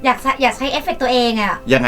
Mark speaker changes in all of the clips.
Speaker 1: อยากใช้เอฟเฟกต์ตัวเองอ่ะ
Speaker 2: ยังไง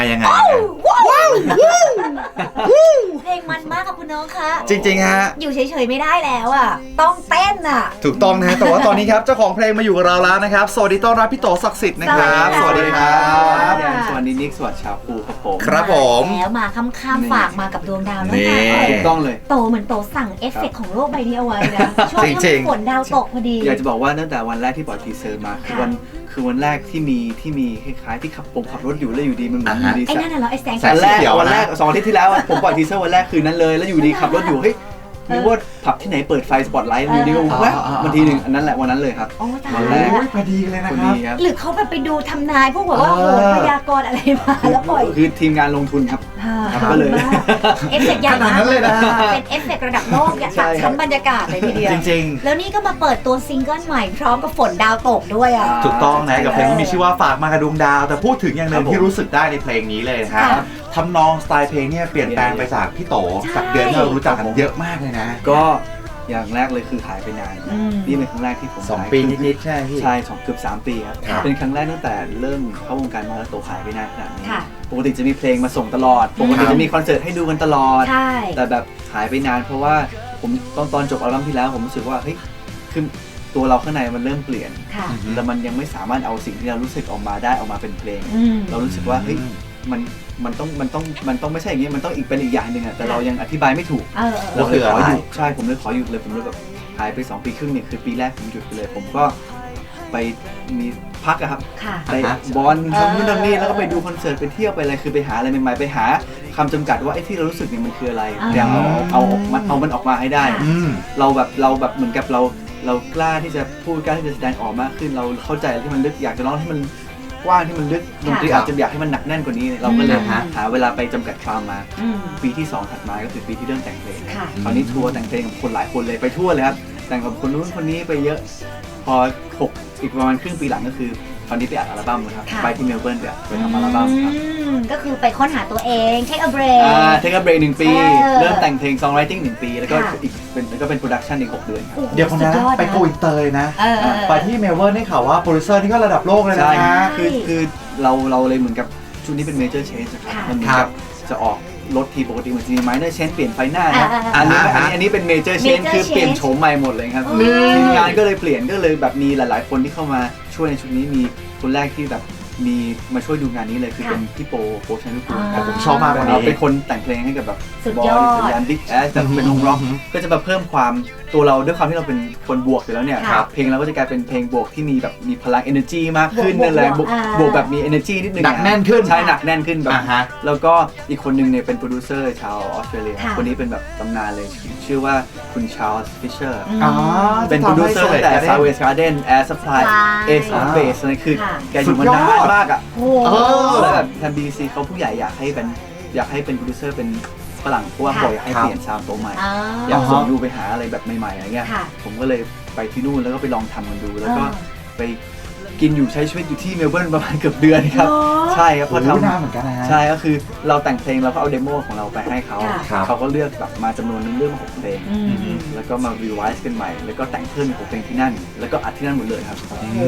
Speaker 1: เพลงมันมากกับคุณน้องคะ
Speaker 2: จริงๆฮะ
Speaker 1: อยู่เฉยๆไม่ได้แล้วอ่ะต้องเต้นอ่ะ
Speaker 2: ถูกต้องนะฮะแต่ว่าตอนนี้ครับเจ้าของเพลงมาอยู่กับเราแล้วนะครับสวัสดีต้อนรับพี่โตศักดิ์สิทธิ์นะครับสวัสดีครับ
Speaker 3: สวัสดีนิกสวัสดีชาวภูครับผม
Speaker 2: ครับผม
Speaker 1: แล้วมาค่ำๆฝากมากับดวงดาวแล้ว
Speaker 2: นี่
Speaker 1: ค่ะ
Speaker 3: ถูกต้องเลย
Speaker 1: โตเหมือนโตสั่งเอฟเฟกต์ของโลกใบนี้เอาไว้นะช่วงที่ฝนดาวตกพอดี
Speaker 3: อยากจะบอกว่าตั้งแต่วันแรกที่ปล่อยทีเซอร์มาคือวันแรกที่มีคล้ายๆที่ขับรถอยู่แล้วอยู่ดีมันเหมือนอยู่ดี
Speaker 1: ไอ้นั่นน่ะเหรอไอ้แสง
Speaker 3: วันแรก2 อาทิตย์ที่แล้วผมปล่อยทีเซอร์วันแรกคืนนั้นเลยแล้วอยู่ดีขับรถอยู่เฮ้ยนึกว่าผับที่ไหนเปิดไฟสปอตไลท์อยู่ดีก็แว๊บวันทีหนึ่งอันนั้นแหละวันนั้นเลยครับ
Speaker 1: วันแรก
Speaker 2: พอดีเลยนะครับ
Speaker 1: หรือเขาไปดูทำนายพวกแบบว่าโหพยากรณ์อะไรมาแล้วปล่อย
Speaker 3: คือทีมงานลงทุนครับก็เลย
Speaker 1: เอฟเฟกต์ใหญ่มากเลยนะเป็นเอฟเฟกต์ระดับโลกอย่างชั้นบรรยากาศเลยทีเดียว
Speaker 2: จริง
Speaker 1: ๆแล้วนี่ก็มาเปิดตัวซิงเกิลใหม่พร้อมกับฝนดาวตกด้วยอ่ะ
Speaker 2: ถูกต้องนะกับเพลงที่มีชื่อว่าฝากมากับดวงดาวแต่พูดถึงอย่างหนึ่งที่รู้สึกได้ในเพลงนี้เลยนะครับทำนองสไตล์เพลงเนี่ยเปลี่ยนแปลงไปจากพี่โตจากเดือนที่เรารู้จักกันเยอะมากเลยนะ
Speaker 3: ก็อย่างแรกเลยคือหายไปนานนี่เป็นครั้งแรกที่ผม
Speaker 2: 2 ปีนิดๆใช่พี่
Speaker 3: ใช่เกือบ3 ปีครับเป็นครั้งแรกตั้งแต่เริ่มเข้าวงการมาแล้วโตหายไปนานขนาดนี้ปกติจะมีเพลงมาส่งตลอดปกติจะมีคอนเสิร์ตให้ดูกันตลอดแต่แบบหายไปนานเพราะว่าผมตอนจบอัลบั้มที่แล้วผมรู้สึกว่าเฮ้ยคือตัวเราข้างในมันเริ่มเปลี่ยนแต่มันยังไม่สามารถเอาสิ่งที่เรารู้สึกออกมาได้ออกมาเป็นเพลงเรารู้สึกว่าเฮ้ยมันต้องไม่ใช่อย่างนี้มันต้องเป็นอีกอย่างหนึ่งอะแต่เรายังอธิบายไม่ถูกเราเลยขอหยุดใช่ผมเลยขอหยุดเลยผมเลยแบบหายไป2 ปีครึ่งเนี่ยคือปีแรกผมหยุดไปเลยผมก็ไปมีพักอะครับไปบอลทำนู่นทำนี่แล้วก็ไปดูคอนเสิร์ตไปเที่ยวไปอะไรคือไปหาอะไรใหม่ๆไปหาคำจำกัดว่าไอ้ที่เรารู้สึกเนี่ยมันคืออะไรอย่างเอามันออกมาให้ได้เราแบบเหมือนกับเรากล้าที่จะพูดกล้าที่จะแสดงออกมากขึ้นเราเข้าใจที่มันลึกอยากจะร้องให้มันกว้างที่มันลึกดนตรีอาจจะอยากให้มันหนักแน่นกว่านี้เราก็เลยหาเวลาไปจำกัดความมาปีที่2ถัดมาก็คือปีที่เริ่มแต่งเพลงคราวนี้ทัวร์แต่งเพลงกับคนหลายคนเลยไปทั่วเลยครับแต่งกับคนนู้นคนนี้ไปเยอะพออีกประมาณครึ่งปีหลังก็คือตอนนี้ไปอัดอัลบั้มนะครับไปที่เมลเบิร์นไปทำอัลบั้มครับ
Speaker 1: ก็คือไปค้นหาตัวเองเทคa break
Speaker 3: เทคa break 1 ปีเริ่มแต่งเพลง songwriting 1 ปีแล้วก็เป็นโปรดักชันอีก6 เดือนครับ
Speaker 2: เดี๋ยวคนนั้นไปโกอินเตอร์นะไปที่เมลเบิร์นได้ข่าวว่าโปรดิวเซอร์นี่ก็ระดับโลกเลยนะ
Speaker 3: คือเราเลยเหมือนกับชุดนี้เป็นเมเจอร์เชนจ์ครับมันเหมือนกับจะออกรถทีปกติมันจะมีไมเนอร์เชนเปลี่ยนไฟหน้านะอันนี้เป็นเมเจอร์เชนคือเปลี่ยนโฉมใหม่หมดเลยครับทีมงานก็เลยเปลี่ยนก็เลยแบบมีหลายๆคนที่เข้ามาช่วยในชุดนี้มีคนแรกที่แบบมีมาช่วยดูงานนี้เลยคือเป็นพี่โปชันนุกูล
Speaker 2: ผมชอบมากวันนี้
Speaker 3: เป็นคนแต่งเพลงให้กับแบบบอดี้สัญญาณบิ๊กแอสแต่เป็นวงร็อกก็จะมาเพิ่มความตัวเราด้วยความที่เราเป็นคนบวกอยู่แล้วเนี่ยเพลงเราก็จะกลายเป็นเพลงบวกที่มีแบบมีพลัง energy มากขึ้นนั่นแหละบวกแบบมี energy นิดนึง
Speaker 2: หนักแน่นขึ้น
Speaker 3: ใช่หนักแน่นขึ้นแบบแล้วก็อีกคนนึงเนี่ยเป็นโปรดิวเซอร์ชาวออสเตรเลียคนนี้เป็นแบบตำนานเลยชื่อว่าคุณชาร์ลส์ฟิชเชอร์เป็นโปรดิวเซอร์แต่ Southwest Garden Air Supply Ace of Base นั่นคือแกอยู่มานานมากอ่ะแล้วแบบทาง BBC เขาผู้ใหญ่อยากให้เป็นโปรดิวเซอร์เป็นฝรั่งเพราะว่าบ่อยให้เปลี่ยนซาวด์ตัวใหม่อยากส่งดูไปหาอะไรแบบใหม่ๆอะไรเงี้ยผมก็เลยไปที่นู่นแล้วก็ไปลองทำมันดูแล้วก็ไปกินอยู่ใช้ชีวิตอยู่ที่เมลเบิร์นประมาณเกือบเดือนครับใช่ครับพอทำ
Speaker 2: เหมือนกันนะ
Speaker 3: ใช่ก็คือเราแต่งเพลงเราก็เอาเดโมของเราไปให้เขาก็เลือกแบบมาจำนวนนึงเรื่อง6 เพลงแล้วก็มารีไวซ์กันใหม่แล้วก็แต่งเพิ่ม6 เพลงที่นั่นแล้วก็อัดที่นั่นหมดเลยครับ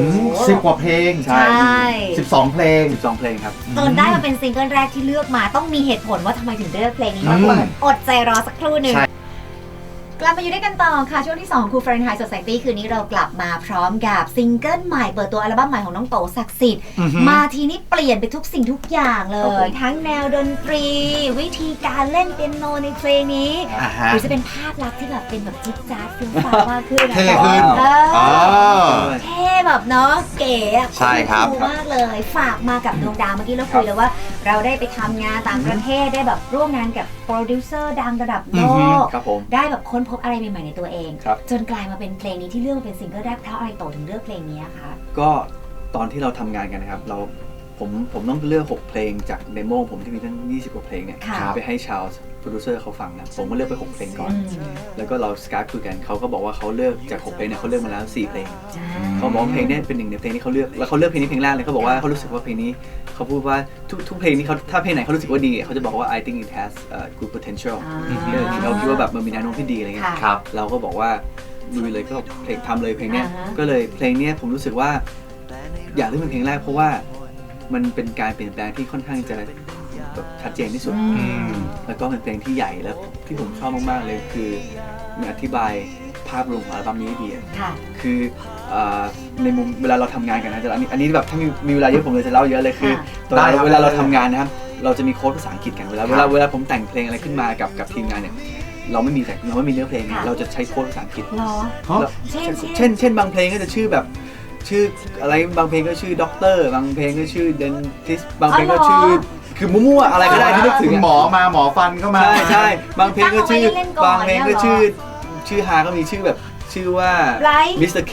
Speaker 2: 10 กว่าเพลง
Speaker 3: ใช่
Speaker 2: 12 เพลง
Speaker 3: ครับ
Speaker 1: จนได้มาเป็นซิงเกิลแรกที่เลือกมาต้องมีเหตุผลว่าทำไมถึงเลือกเพลงนี้อดใจรอสักครู่หนึ่งกลับมาอยู่ด้วยกันต่อค่ะช่วงที่2ครูฟาเรนไฮต์ Society คืนนี้เรากลับมาพร้อมกับซิงเกิลใหม่เปิดตัวอัลบั้มใหม่ของน้องโตศักดิ์สิทธิ์มาทีนี้เปลี่ยนไปทุกสิ่งทุกอย่างเลยทั้งแนวดนตรีวิธีการเล่นเปียโนในเพลงนี้หรือจะเป็นภาพลักษณ์ที่แบบเป็นแบบจิ๊ดจ๊าดฟิลฟ้ามากขึ้น
Speaker 2: เท่ขึ้น
Speaker 1: เท่แบบเนาะเก๋
Speaker 2: ใช่ครับ
Speaker 1: มากเลยฝากมากับดวงดาวเมื่อกี้เราคุยเลยว่าเราได้ไปทำงานต่างประเทศได้แบบร่วมงานกับโปรดิวเซอร์ดังระดับโลกได้แบบค้นพบอะไรใหม่ๆในตัวเองจนกลายมาเป็นเพลงนี้ที่เลือกเป็นซิงเกิลแรกเพราะอะไรโตถึงเลือกเพลงนี้คะ
Speaker 3: ก็ตอนที่เราทำงานกันนะครับผมต้องเลือก6 เพลงจากเดโมผมที่มีตั้ง20 กว่าเพลงเนี่ยไปให้ชาวโปรดิวเซอร์เขาฟังนะผมก็เลือกไป6 เพลงก่อนแล้วก็เราสกายคุยกันเขาก็บอกว่าเขาเลือกจาก6 เพลงเนี่ยเขาเลือกมาแล้ว4 เพลงเขาบอกเพลงนี้เป็น1 ในเพลงที่เขาเลือกแล้วเขาเลือกเพลงนี้เพลงแรกเลยเขาบอกว่าเขารู้สึกว่าเพลงนี้เขาพูดว่าทุกเพลงนี้เขาถ้าเพลงไหนเขารู้สึกว่าดีเขาจะบอกว่า I think it has good potential เขาคิดว่าแบบมันมีแนวโน้มที่ดีอะไรเงี้ยเราก็บอกว่าลุยเลยก็เพลงทำเลยเพลงนี้ก็เลยเพลงนี้ผมรู้สึกว่าอยากเลือกเป็นเพลงแรกเพราะว่ามันเป็นการเปลี่ยนแปลงที่ค่อนข้างจะแบบชัดเจนที่สุดแล้วก็เป็นเพลงที่ใหญ่แล้วที่ผมชอบมากๆเลยคือมันอธิบายภาพรวมของอัลบั้มนี้ดีคือในมุมเวลาเราทำงานกันนะอันนี้แบบถ้ามีเวลาเยอะผมเลยจะเล่าเยอะเลยคือเวลาเราทำงานนะครับเราจะมีโค้ดภาษาอังกฤษกันเวลาผมแต่งเพลงอะไรขึ้นมากับทีมงานเนี่ยเราไม่มีเนื้อเพลงเราจะใช้โค้ดภาษาอังกฤษเช่นบางเพลงก็จะชื่อแบบชื่ออะไรบางเพลงก็ชื่อด็อกเตอร์บางเพลงก็ชื่อเดนทิสบางเพลงก็ชื่อคือมั่วๆอะไรก็ได้ที่นึกถึง
Speaker 2: หมอมาหมอฟันก็มา
Speaker 3: ใช่บางเพลงก็ชื่อบางเพลงก็ชื่อฮาก็มีชื่อแบบชื่อว่ามิสเตอร์เค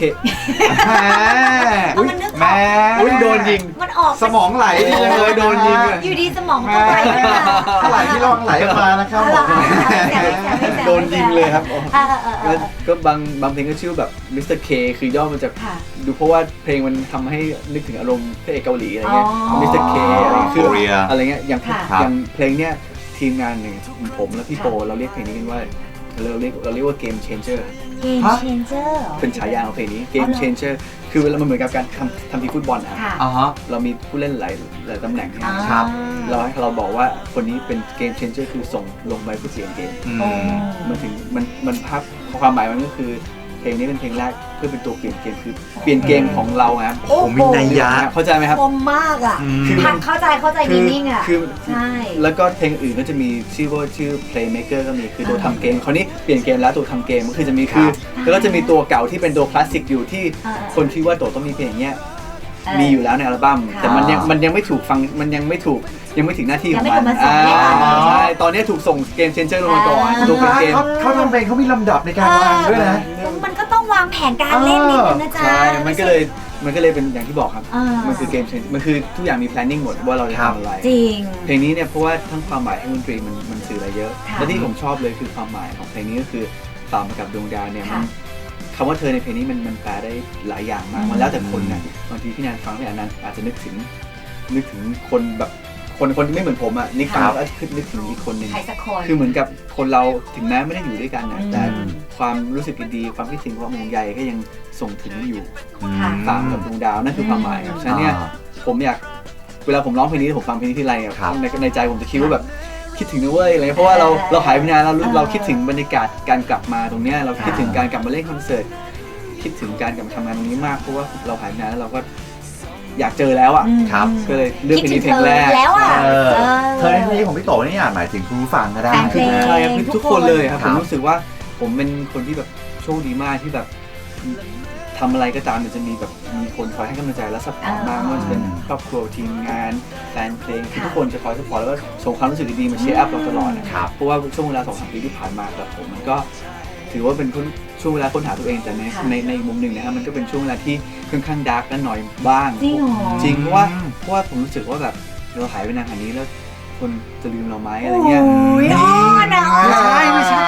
Speaker 2: แม่
Speaker 3: โดนยิง
Speaker 1: มันออก
Speaker 2: สมองไหล
Speaker 3: เลยโดนยิง
Speaker 1: อยู่ดีสมองก็ไหล
Speaker 2: ไหลที่ร่องไหลมานะครับ
Speaker 3: โดนยิงเลยครับแล้วก็บางเพลงก็ชื่อแบบมิสเตอร์เคคือย่อมาจากดูเพราะว่าเพลงมันทำให้นึกถึงอารมณ์พระเอกเกาหลีอะไรเงี้ยมิสเตอร์เคอะไรคืออะไรเงี้ยอย่างเพลงเนี้ยทีมงานหนึ่งผมและพี่โปเราเรียกเพลงนี้กันว่าเราเรียกว่า Game Changer เป็นฉายาของเพลงนี้ Game Changer คือมันเหมือนกับการทำทีมฟุตบอลนะเรามีผู้เล่นหลายตำแหน่งนะครับเราบอกว่าคนนี้เป็น Game Changer คือส่งลงไปเพื่อเปลี่ยนเกมมันภาพความหมายมันก็คือเพลงนี้เป็นเพลงแรกเพื่อเป็นตัวเปลี่ยนเกมคือเปลี่ยนเกมของเราครับ
Speaker 2: ผมมีนัยยะ
Speaker 3: เข้าใจไหมครับ
Speaker 1: คมมากอ่ะเข้าใจมีนิ่งอ่ะ
Speaker 3: ใช่แล้วก็เพลงอื่นก็จะมีชื่อ Playmaker ก็มีคือตัวทำเกมคราวนี้เปลี่ยนเกมแล้วตัวทำเกมก็คือจะมีแล้วก็จะมีตัวเก่าที่เป็นตัวคลาสสิกอยู่ที่คนคิดว่าตัวต้องมีเพลงเนี้ยมีอยู่แล้วในอัลบั้มแต่มันยังไม่ถูกฟังมันยังไม่ถึงหน้าที่ของมันใช่ตอนนี้ถูกส่งเกมเชนเจอร์ลงมาก่อนตัวเป็นเกม
Speaker 2: เขาทำเพลงเขามีลำดับในการวางด้วยนะ
Speaker 1: มันก็ต้องวางแผนการเล่นนิดนึงนะจ๊ะ
Speaker 3: ใช่มันก็เลยเป็นอย่างที่บอกครับมันคือเกมเชนมันคือทุกอย่างมี planning หมดว่าเราจะทำอะไร
Speaker 1: จริง
Speaker 3: เพลงนี้เนี่ยเพราะว่าทั้งความหมายทั้งดนตรีมันสื่ออะไรเยอะและที่ผมชอบเลยคือความหมายของเพลงนี้ก็คือตามมากับดวงดาวเนี่ยคำว่าเธอในเพลงนี้มันแปลได้หลายอย่างมากมันแล้วแต่คนนะบางทีพี่แนนฟังพี่อันนั้นอาจจะนึกถึงคนแบบคนที่ไม่เหมือนผมอ่ะนึกฟังแล้วนึกถึงอีกคนนึงคือเหมือนกับคนเราถึงแม้ไม่ได้อยู่ด้วยกันนะแต่ความรู้สึกดีความคิดถึงความห่วงใยก็ยังส่งถึงอยู่ตามกับดวงดาวนั่นคือความหมายครับฉะนั้นเนี่ยผมอยากเวลาผมร้องเพลงนี้ผมฟังเพลงนี้ทีไรในใจผมจะคิดว่าแบบคิดถึงนะเว้ยอะไรเพราะว่าเราหายไปนานเราคิดถึงบรรยากาศการกลับมาตรงเนี้ยเราคิดถึงการกลับมาเล่นคอนเสิร์ตคิดถึงการกลับมาทำงานตรงนี้มากเพราะว่าเราหายไปนานแล้วเราก็อยากเจอแล้วอ่ะ
Speaker 2: ครับ
Speaker 3: ก็เลยเลือกเพลงนี้เพลงแรก
Speaker 2: เธอในที่ของพี่โตนี่อาจหมายถึงผู้ฟังก็ได้
Speaker 3: คือใช่ครับทุกคนเลยครับผมรู้สึกว่าผมเป็นคนที่แบบโชคดีมากที่แบบทำอะไรก็ตามจะมีแบบมีคนคอยให้กำลังใจและซัพพอร์ตมากว่าจะเป็นครอบครัวทีมงานแฟนเพลงทุกคนจะคอยซัพพอร์ตแล้วก็ส่งความรู้สึกดีๆมาเชียร์อัพเราตลอดนะครับเพราะว่าช่วงเวลา 2-3 ปีที่ผ่านมาแบบผมมันก็ถือว่าเป็นช่วงเวลาค้นหาตัวเองแต่ในมุมหนึ่งนะครับมันก็เป็นช่วงเวลาที่ค่อนข้างดาร์กและหน่อยบ้างจริงเพราะว่าผมรู้สึกว่าแบบเราหายไปนานขนาดนี้แล้วคนจะลืมเราไหมอะไรเงี้ย
Speaker 1: โอ้ย
Speaker 3: ไม่ใช่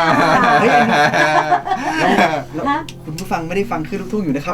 Speaker 3: คุณผู้ฟังไม่ได้ฟังคือลูกทุ่งอยู่นะครับ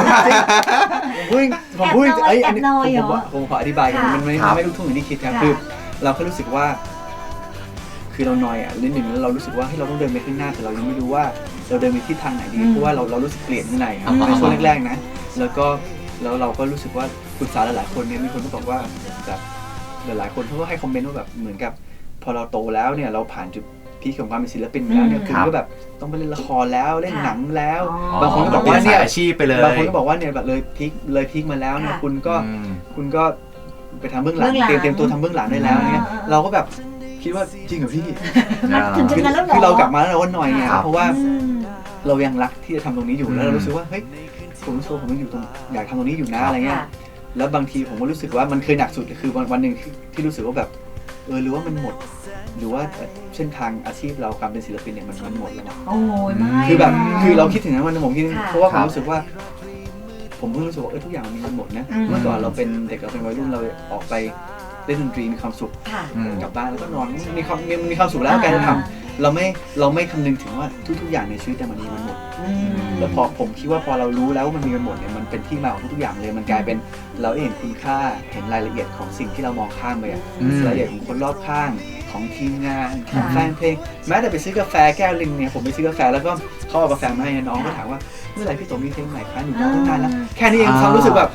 Speaker 3: ผมพูดผมขออธิบายมันไม่ลูกทุ่งอย่างที่คิดครับคือเราแค่รู้สึกว่าคือเราหน่อยอ่ะนิดหนึ่งแล้วเรารู้สึกว่าให้เราต้องเดินไปข้างหน้าแต่เรายังไม่รู้ว่าเราเดินไปที่ทางไหนดีเพราะว่าเรารู้สึกเปลี่ยนข้างในครับในช่วงแรกๆนะแล้วเราก็รู้สึกว่าปรึกษาหลายๆคนเนี่ยมีคนก็บอกว่าแบบหลายๆคนเขาก็ให้คอมเมนต์ว่าแบบเหมือนกับพอเราโตแล้วเนี่ยเราผ่านจุดพีคของความเป็นศิลปินแล้วเนี่ยคุณก็แบบต้องไปเล่นละครแล้วเล่นหนังแล้วบางคนก็บอกว่าเนี่ย
Speaker 2: อาชีพไปเลย
Speaker 3: บางคนก็บอกว่าเนี่ยแบบเลยพีคมาแล้วเนี่ยคุณก็ไปทำเบื้องหลังเตรียมตัวทำเบื้องหลังได้แล้วเนี่ยเราก็แบบคิดว่าจริงเหรอพี่คือเรากลับมาแล้วเราก็หน่อยไงเพราะว่าเรายังรักที่จะทำตรงนี้อยู่แล้วเรารู้สึกว่าเฮ้ยผมรู้สึกผมอยู่ตรงอยากทำตรงนี้อยู่นะอะไรเงี้ยแล้วบางทีผมก็รู้สึกว่ามันเคยหนักสุดคือวันหนึ่งที่รู้สึกว่าแบบหรือว่ามันหมดหรือว่าเส้นทางอาชีพเราการเป็นศิลปินเนี่ยมันหมดแล้ว
Speaker 1: โอ้ยไม่
Speaker 3: คือแบบคือเราคิดถึงนั้นวันผมคิดเพราะว่าผมรู้สึกว่าผมเพิ่งรู้สึกว่าทุกอย่างมันหมดนะเมื่อก่อนเราเป็นเด็กเราเป็นวัยรุ่นเราออกไปเล่นดนตรีมีความสุขกลับบ้านแล้วก็นอนมีความสุขแล้วการทำเราไม่คำนึงถึงว่าทุกอย่างในชีวิตแต่มันมีมันหมดแล้วพอผมคิดว่าพอเรารู้แล้วว่ามันมีมันหมดเนี่ยมันเป็นที่มาของทุกอย่างเลยมันกลายเป็นเราเห็นคุณค่าเห็นรายละเอียดของสิ่งที่เรามองข้ามไปรายละเอียดของคนรอบข้างของทีมงานของแฟนเพลงแม้แต่ไปซื้อกาแฟแก้วนึงเนี่ยผมไปซื้อกาแฟแล้วก็เขาเอากาแฟมาให้น้องก็ถามว่าเมื่อไหร่พี่โตมีเพลงใหม่คะหนูรอตั้งนานแล้วแค่นี้เองความรู้สึกแบบ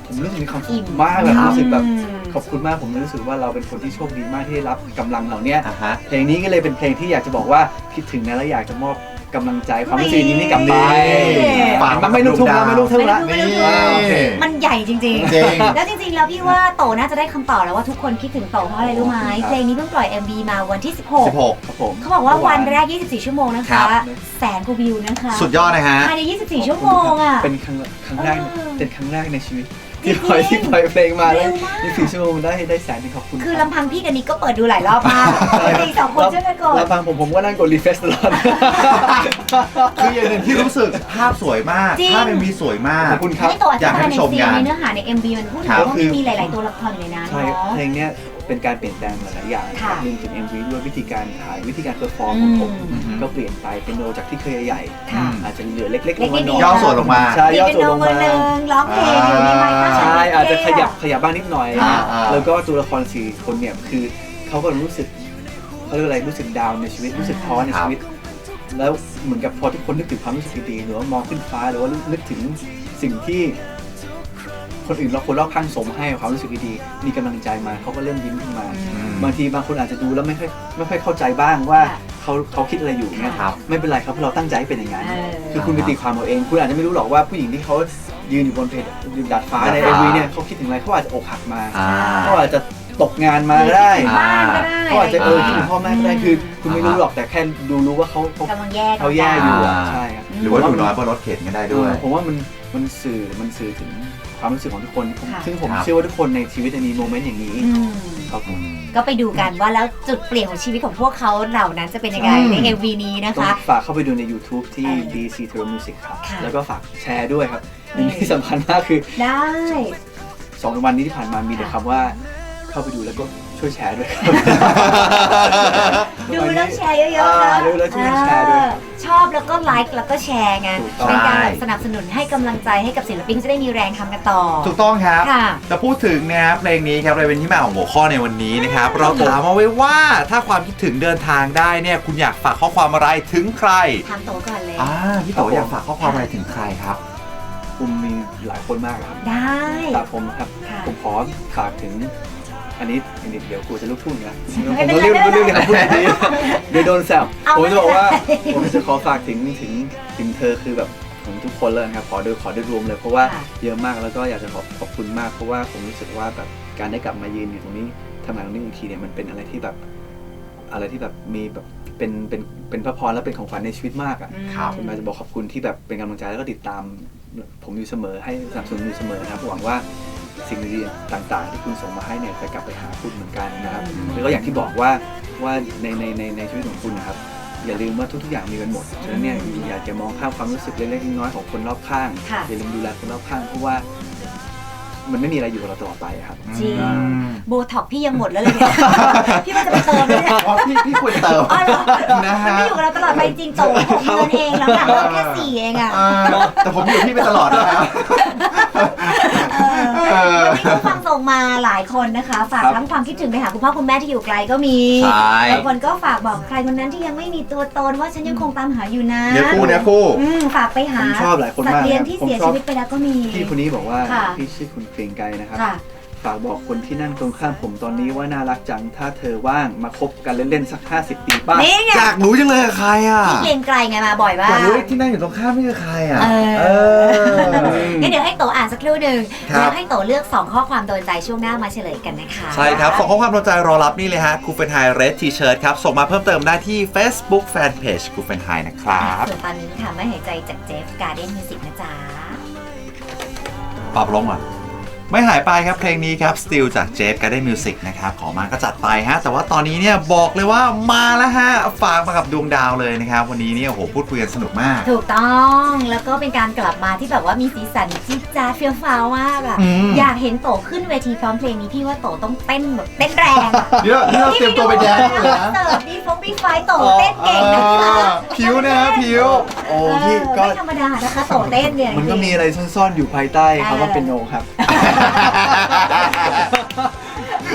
Speaker 3: ผมรู้สึกมีความสุขมากแบบรู้สึกแบบขอบคุณมากผมรู้สึกว่าเราเป็นคนที่โชคดีมากที่ได้รับกำลังเหล่านี้เพลงนี้ก็เลยเป็นเพลงที่อยากจะบอกว่าคิดถึงนะและอยากจะมอบกำลังใจความรู้สึกนี้ให้กลับไปมันไม่ลูกทุ่งแล้วไม่ลูกทุ่งแล้ว
Speaker 1: มันใหญ่จริงๆแล้วจริงๆแล้วพี่ว่าโตน่าจะได้คำตอบแล้วว่าทุกคนคิดถึงโตเพราะอะไรรู้ไหมเพลงนี้เพิ่งปล่อย MV มาวันที่16
Speaker 3: ครับผม
Speaker 1: เขาบอกว่าวันแรก24ชั่วโมงนะคะแสนกว่าวิวนะคะ
Speaker 2: สุดยอดนะฮะ
Speaker 1: ภายใน24ชั่วโมงอ่ะ
Speaker 3: เป็นครั้งแรกในชีวิตที่ปล่อยเพลงมาแล้ว24ชั่วโมงได้แสนนึงขอบคุณ
Speaker 1: คือลำพังพี่กับนิกก็เปิดดูหลายรอบมากจริง2คนช่วยกันก่อน
Speaker 3: ลำพังผมก็นั่งกดรีเฟรชตลอด
Speaker 2: คืออย่างหนึ่งที่รู้สึกภาพสวยมากภาพMVสวยมาก
Speaker 3: ขอบคุณครับ
Speaker 1: อยากให้ชมกันในเนื้อหาใน MV มันพูดถึงว่ามันมีหลายๆตัวละครอยู่ในนั้นเนาะ
Speaker 3: เพลงเนี้ยเป็นการเปลี่ยนแปลงหลายๆอย่างรวมถึง MV ด้วยวิธีการถ่ายวิธีการเพอร์ฟอร์มของผมก็เปลี่ยนไปเป็นโนจากที่เคยใหญ่อาจจะเหลือเล็กๆลงมา
Speaker 2: ย่อส่วนลงมา
Speaker 3: ใช่ย่อส่วนลงมา
Speaker 1: ร้องเพลงอยู่ในไมค์
Speaker 3: ใช่อาจจะขยับบ้างนิดหน่อยแล้วก็ตัวละคร4คนเนี่ยคือเขาก็รู้สึกเขาเรียกอะไรรู้สึกดาวในชีวิตรู้สึกท้อในชีวิตแล้วเหมือนกับพอทุกคนนึกถึงความรู้สึกดีๆหรือว่ามองขึ้นฟ้าหรือว่านึกถึงสิ่งที่คนอื่นคนรอบข้างส่งให้ความรู้สึกดีๆมีกำลังใจมาเขาก็เริ่มยิ้มขึ้นมาบางทีบางคนอาจจะดูแล้วไม่ค่อยเข้าใจบ้างว่าเขาคิดอะไรอยู่เนี่ยไม่เป็นไรครับเพราะเราตั้งใจเป็นอย่างนั้นคือคุณไปตีความเอาเองคุณอาจจะไม่รู้หรอกว่าผู้หญิงที่เขายืนอยู่บนเพดานฟ้าใน MV เนี่ยเขาคิดถึงอะไรเขาอาจจะอกหักมาเขาอาจจะตกงานมาก็ได้เขาอาจจะคิดถึงพ่อแม่ก็ได้คือคุณไม่รู้หรอกแต่แค่รู้ว่าเขาแย่อยู่ใช่ครับ
Speaker 2: หรือว่าอยู่น้อยบนรถเข็นก็ได้ด้วย
Speaker 3: ผมว่ามันสื่อถึงความรู้สึกของทุกคนซึ่งผมเชื่อว่าทุกคนในชีวิตมีโมเมนต์อย่างนี้ครับผม
Speaker 1: ก็ไปดูกันว่าแล้วจุดเปลี่ยนของชีวิตของพวกเขาเหล่านั้นจะเป็นยังไงใน MV นี้นะคะ
Speaker 3: ฝากเข้าไปดูใน YouTube ที่ DC Terror Music ครับแล้วก็ฝากแชร์ด้วยครับที่สำคัญมากคือ
Speaker 1: ได้
Speaker 3: 2 วันนี้ที่ผ่านมามีแต่คำว่าเข้าไปดูแล้วก็ช่วยแชร์ด้วย
Speaker 1: ดูแล้วแชร์เยอะๆนะ
Speaker 3: ดูแล้วช่วยแชร์ด้วย
Speaker 1: ชอบแล้วก็ไลค์แล้วก็แชร์ไงเป็นการสนับสนุนให้กำลังใจให้กับศิลปินจะได้มีแรงทำกันต่อ
Speaker 2: ถูกต้องครับแต่พูดถึงนะครับเพลงนี้ครับเลยเป็นที่มาของหัวข้อในวันนี้นะครับเราถามมาไว้ว่าถ้าความคิดถึงเดินทางได้เนี่ยคุณอยากฝากข้อความอะไรถึงใคร
Speaker 1: ถามโตก่อนเลย
Speaker 2: พี่โตอยากฝากข้อความอะไรถึงใครครับ
Speaker 3: ผมมีหลายคนมากครับ
Speaker 1: ได้
Speaker 3: แต่ผมครับผมขอฝากถึงอันนี้เดี๋ยวกูจะลุกทุ่งนะผมต้องเรียกคำพูดนี้เดี๋ยวโดนแซวผมจะบอกว่าผมจะขอฝากถึงเธอคือแบบของทุกคนเลยครับขอโดยรวมเลยเพราะว่าเยอะมากแล้วก็อยากจะขอบคุณมากเพราะว่าผมรู้สึกว่าแบบการได้กลับมายืนอยู่ตรงนี้ทำงานตรงนี้อีกทีเนี่ยมันเป็นอะไรที่แบบมีแบบเป็นพระพรและเป็นของขวัญในชีวิตมากอ่ะผมอยากจะบอกขอบคุณที่แบบเป็นกำลังใจแล้วก็ติดตามผมอยู่เสมอให้สนับสนุนอยู่เสมอนะครับหวังว่าสิ่งดีๆต่างๆที่คุณส่งมาให้เนี่ยจะกลับไปหาคุณเหมือนกันนะครับแล้วก็อย่างที่บอกว่าในชีวิตของคุณนะครับอย่าลืมว่าทุกๆอย่างมีกันหมดฉะนั้นเนี่ยอยากจะมองข้ามความรู้สึกเล็กๆน้อยๆของคนรอบข้างอย่าลืมดูแลคนรอบข้างเพราะว่ามันไม่มีอะไรอยู่กับเราตลอดไปครับ
Speaker 1: จริงโบท็อกพี่ยังหมดแล้วเลยเนี่ยพี่ว่าจะไปเติมเลยเนี่ย
Speaker 2: พี่ควรเติม
Speaker 1: นะฮะไม่อยู่กับเราตลอดไปจริงโต6 เดือนเองแล้วหลังเราแค่4เองอ่ะ
Speaker 2: แต่ผมอยู่พี่ไปตลอดนะครับ
Speaker 1: วันนี้ผู้ฟังส่งมาหลายคนนะคะฝากทั้งความคิดถึงไปหาคุณพ่อคุณแม่ที่อยู่ไกลก็มีบางคนก็ฝากบอกใครคนนั้นที่ยังไม่มีตัวตนว่าฉันยังคงตามหาอยู่นะ
Speaker 2: เนี่ยคู่
Speaker 1: ฝากไปหา
Speaker 3: ชอบหลายคนมาก
Speaker 1: สัตว์เลี้ยงที่เสียชีวิตไปแล้วก็มี
Speaker 3: พี่คนนี้บอกว่าพี่ชื่อคุณเกรียงไกรนะครับฝากบอกคนที่นั่งตรงข้ามผมตอนนี้ว่าน่ารักจังถ้าเธอว่างมาคบกันเล่นๆสัก50 ปีป้า
Speaker 2: อยากรู้จังเลยใครอ่ะ
Speaker 1: พี่เกรียงไกรไงมาบ่อยมาก
Speaker 2: อยากรู้ที่นั่งอยู่ตรงข้ามนี่คือใครอ่ะ
Speaker 1: งั้นเดี๋ยวให้โตอ่านสักครู่หนึ่งแล้วให้โตเลือก2ข้อความโดนใจช่วงหน้ามาเฉลยกันนะคะ
Speaker 2: ใช่ครับ2ข้อความโดนใจรอรับนี่เลยฮะคูเฟนไฮเรดทีเชิร์ตครับส่งมาเพิ่มเติมได้ที่ Facebook Fanpage คูเฟนไฮนะครับ
Speaker 1: ส่วนตอนนี้ค่ะไม่หายใจจากเจฟการ์เด้นมิวสิกนะจ๊ะ
Speaker 2: ปรับลงอ่ะไม่หายไปครับเพลงนี้ครับ Still จาก Jeff Garden Music นะครับขอมาก็จัดไปฮะแต่ว่าตอนนี้เนี่ยบอกเลยว่ามาแล้วฮะฝากมากับดวงดาวเลยนะครับวันนี้เนี่ยโอ้โหพูดคุยกันสนุกมาก
Speaker 1: ถูกต้องแล้วก็เป็นการกลับมาที่แบบว่ามีสีสันจิ๊ดจ๊าดเฟี้ยวฟ้าวมากอ่ะอยากเห็นโตขึ้นเวทีพร้อมเพลงนี้พี่ว่าโตต้องเต้นแบบเต้นแรง
Speaker 2: เยอะเราเตรียมตัวไปแดนเลยนะ
Speaker 1: เสิร์ฟดีไฟโตเต้นเก่งนะคะ
Speaker 2: ผิวนะผิว
Speaker 3: โอ้พี่ก็
Speaker 1: ไม่ธรรมดานะคะโตเต้นเนี่ย
Speaker 3: มันก็มีอะไรซ่อนๆอยู่ภายใต้คำว่าเป็นโนครับ
Speaker 2: ม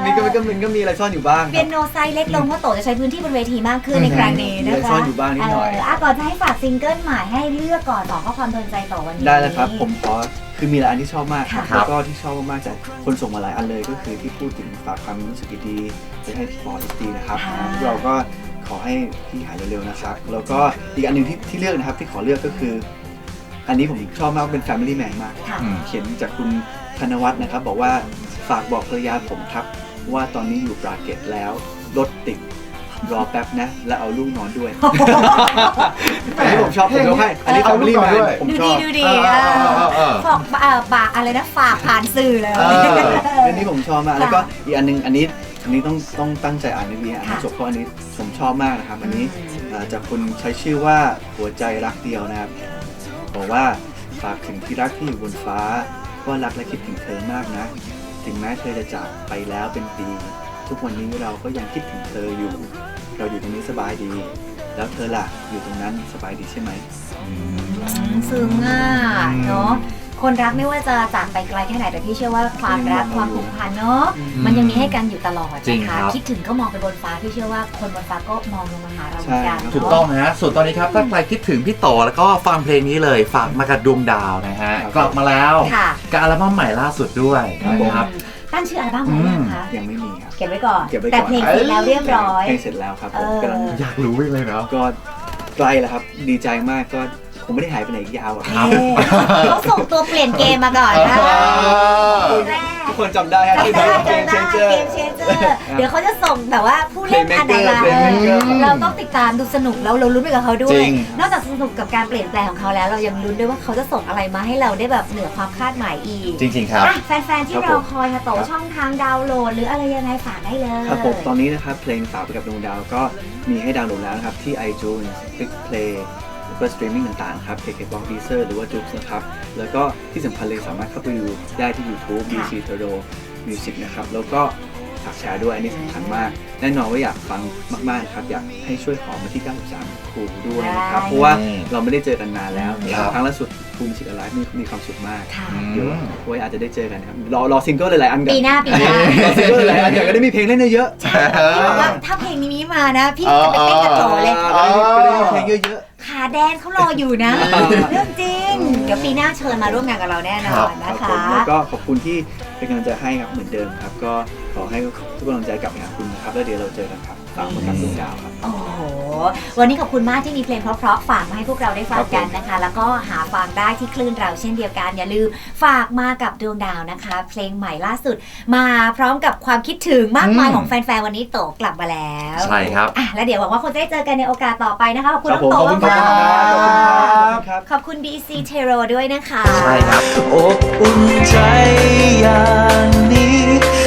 Speaker 3: ก็มีอะไรซ่อนอยู่บ้าง
Speaker 1: เปียโนไซส์เล็กลงเพราะโตจะใช้พื้นที่บนเวทีมากขึ้นในครั้งนี้นะคะ
Speaker 3: ซ่อนอยู่บ้างนิดหน่อย
Speaker 1: ก่อนจะให้ฝากซิงเกิลใหม่ให้เลือกก่อน2ข้อความโดนใจต่อวันนี้
Speaker 3: ได้เลยครับผมขอคือมีหลายอันที่ชอบมากครับแล้วก็ที่ชอบมากๆจากคนส่งมาหลายอันเลยก็คือที่พูดถึงฝากความรู้สึกดีๆไปให้ปอดีนะครับเราก็ขอให้พี่หายเร็วๆนะครับแล้วก็อีกอันหนึ่งที่เลือกนะครับที่ขอเลือกก็คืออันนี้ผมชอบมากเป็น Family Man มากเขียนจากคุณธนวัฒน์นะครับบอกว่าฝากบอกภรรยาผมครับว่าตอนนี้อยู่ปราเกตแล้วรถติดรอแป๊บนะแล้วเอาลูกนอนด้วยอันนี้ผมชอบผมยกให้อันนี้ Family Man ผมชอบ
Speaker 1: ดูดีฝากอะไรนะฝากผ่านสื่อเลย
Speaker 3: อันนี้ผมชอบมากแล้วก็อีกอันนึงอันนี้ต้องตั้งใจอ่านดีๆอ่านจบเพราะอันนี้ผมชอบมากนะครับอันนี้จากคุณใช้ชื่อว่าหัวใจรักเดียวนะครับบอกว่าฝากถึงที่รักที่อยู่บนฟ้าว่ารักและคิดถึงเธอมากนะถึงแม้เธอจะจากไปแล้วเป็นปีทุกวันนี้เราก็ยังคิดถึงเธออยู่เราอยู่ตรงนี้สบายดีแล้วเธอล่ะอยู่ตรงนั้นสบายดีใช่ไหม
Speaker 1: ซึ้งอ่ะเนาะคนรักไม่ว่าจะจากไปไกลแค่ไหนแต่พี่เชื่อว่าความรักความผูกพันเนาะมันยังมีให้กันอยู่ตลอดนะคะคิดถึงก็มองไปบนฟ้าพี่เชื่อว่าคนบนฟ้าก็มองลงมาหาเราเหมือนกัน
Speaker 2: ถูกต้องฮะส่วนตอนนี้ครับถ้าใครคิดถึงพี่โตแล้วก็ฟังเพลงนี้เลยฝากมากับดวงดาวนะฮะกลับมาแล้วกับอัลบั้มใหม่ล่าสุดด้วยนะครับ
Speaker 1: ตั้งชื่ออัลบั้มไว้ยังคะ
Speaker 3: ยังไม่มีครับ
Speaker 1: เก็บไว้ก่อนแต่เพลงเสร็จแล้วเรียบร้อย
Speaker 3: เพลงเสร็จแล้วครับผมกำลัง
Speaker 2: อยากรู้เลยเนาะ
Speaker 3: ก็ใกล้แล้วครับดีใจมากก็ผมไม่ได้หายไปไหนยาวอ่ะครับ
Speaker 1: เขาส่งตัวเปลี่ยนเกมมาก่อนนะ
Speaker 3: ทุกคนจำได้ที่เกมเชนเจอร์
Speaker 1: เดี๋ยวเขาจะส่งแบบว่าผู้เล่นอันไหนมาเราต้องติดตามดูสนุกแล้วเราลุ้นไปกับเขาด้วยนอกจากสนุกกับการเปลี่ยนแปลงของเขาแล้วเรายังลุ้นด้วยว่าเขาจะส่งอะไรมาให้เราได้แบบเหนือความคาดหมายอีก
Speaker 2: จริงๆครับ
Speaker 1: แฟนๆที่รอคอยค่ะโตช่องทางดาวน์โหลดหรืออะไรยังไงฝากได้เลย
Speaker 3: ครับผมตอนนี้นะครับเพลงฝากไปกับดวงดาวก็มีให้ดาวน์โหลดแล้วนะครับที่ iTunes Click Playเพื่อสตรีมมิ่งต่างๆครับ KKBOX Deezer หรือว่า Joox นะครับแล้วก็ที่สำคัญเลยสามารถเข้าไปดูได้ที่ YouTube BC Toro Music นะครับแล้วก็ฝากแชร์ด้วยอันนี้สำคัญมากแน่นอนว่าอยากฟังมากๆครับอยากให้ช่วยขอมาที่93ครูด้วยนะครับเพราะว่าเราไม่ได้เจอกันนานแล้วครั้งล่าสุดครูมิวสิกอะไรมีความสุขมากเดี๋ยวไว้อาจจะได้เจอกันครับรอซิงเกิลหลายๆอันกัน
Speaker 1: ปีหน้าร
Speaker 3: อซิงเกิลหลายๆอันอยากจะได้มีเพลงเล่นเยอะ
Speaker 1: พี่บอกว่าถ้าเพลงนี้มานะพี่จะไปเต้นกับโตเลย
Speaker 3: ก็ได้มีเพลงเยอะ
Speaker 1: ขาแดนเขารออยู่นะเรื่องจริงเดี๋ยวปีหน้าเชิญมาร่วมงานกับเราแน่นอนนะคะ
Speaker 3: แล้วก็ขอบคุณที่เป็นกำลังใจให้ครับเหมือนเดิมครับก็ขอให้ทุกกำลังใจกลับไปหาคุณนะครับแล้วเดี๋ยวเราเจอกันครับฝากมากับดวงดาวครับ
Speaker 1: โอ้โหวันนี้ขอบคุณมากที่มีเพลงเพราะๆฝากมาให้พวกเราได้ฟังกันนะคะแล้วก็หาฟังได้ที่คลื่นเราเช่นเดียวกันอย่าลืมฝากมากับดวงดาวนะคะเพลงใหม่ล่าสุดมาพร้อมกับความคิดถึงมากมายของแฟนๆวันนี้โตกลับมาแล้ว
Speaker 2: ใช่ครับ
Speaker 1: แล้วเดี๋ยวหวังว่าคงจะได้เจอกันในโอกาสต่อไปนะคะขอบคุณน้องโตมากขอบคุณ BC Tero ด้วยนะคะ
Speaker 2: ใช่ครับ
Speaker 4: อบอุ่นใจอย่างนี้